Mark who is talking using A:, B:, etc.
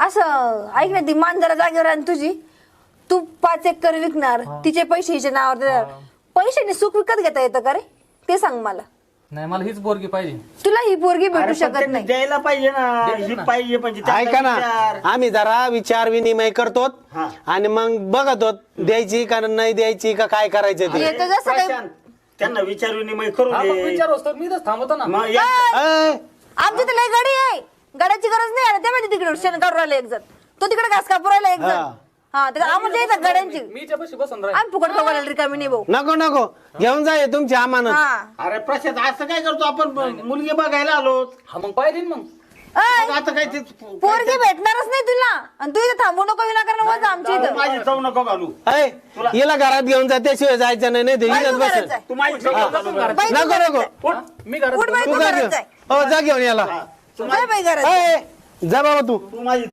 A: असं ऐक ना, ती मांजरा जागेवर आणि तुझी तू 5 एकर विकणार, तिचे पैसे हिच्या नावावर देणार. पैशाने सुख विकत घेता येतं का रे? ते सांग मला.
B: नाही मला हीच पोरगी पाहिजे.
A: तुला ही पोरगी भेटू
C: अरे पण
A: शकत
C: त्यांनी
A: नाही.
C: द्यायला पाहिजे ना, ही पाहिजे म्हणजे
D: ऐका ना, आम्ही जरा विचार विनिमय करतो
C: हा.
D: आणि मग बघतो द्यायची का नाही द्यायची का काय करायचं ते.
A: येतं जसं काही
C: प्रशांत, त्यांना विचार विनिमय करू
B: हा मग
C: दे.
B: विचार असतो मी तर थांबवतो ना.
C: मग या-
D: अय,
A: आमची तर लय गाडी आहे, गाड्याची गरज नाही. आणि ते माहिती तिकडे शेण काढून राहिला एक जण, तो तिकडे घास कापून राहिला एक जण.
D: हा.
A: हा तर आम्हाला येतात गाड्यांची.
B: मी हिच्यापाशी बसून राहील.
A: आम्ही फुकट बघायला रिकामी नाही भाऊ.
D: नको नको घेऊन जाय तुमची अमानत.
A: हा
C: अरे प्रशांत असं काय करतो आपण, मुलगी बघायला आलो
B: हा मग पाहिजे ना मग.
A: अय,
C: मग आता काय ते
A: पोरगी भेटणारच नाही तुला, आणि तू इथे थांबू नको विनाकारण वजा आमच्या इथं.
C: माझी चव नको घालू.
D: अय हिला घरात घेऊन जा, त्याशिवाय जायचं नाही. नाही
A: बाई,
D: इथंच
A: तू
D: बस.
A: घरात जाय.
C: तू माझी चव नको घालू.
A: बाई, तू
D: नको
A: घरात
D: नको
A: जाय.
B: मी घरात
A: उठ बाई,
D: तू
A: तू
D: जा
A: घरात
D: घेऊन
A: जाय.
D: हो जा घेऊन याला.
A: जाय बाई घरात.
D: अय जा बाबा तू.
C: तू माझी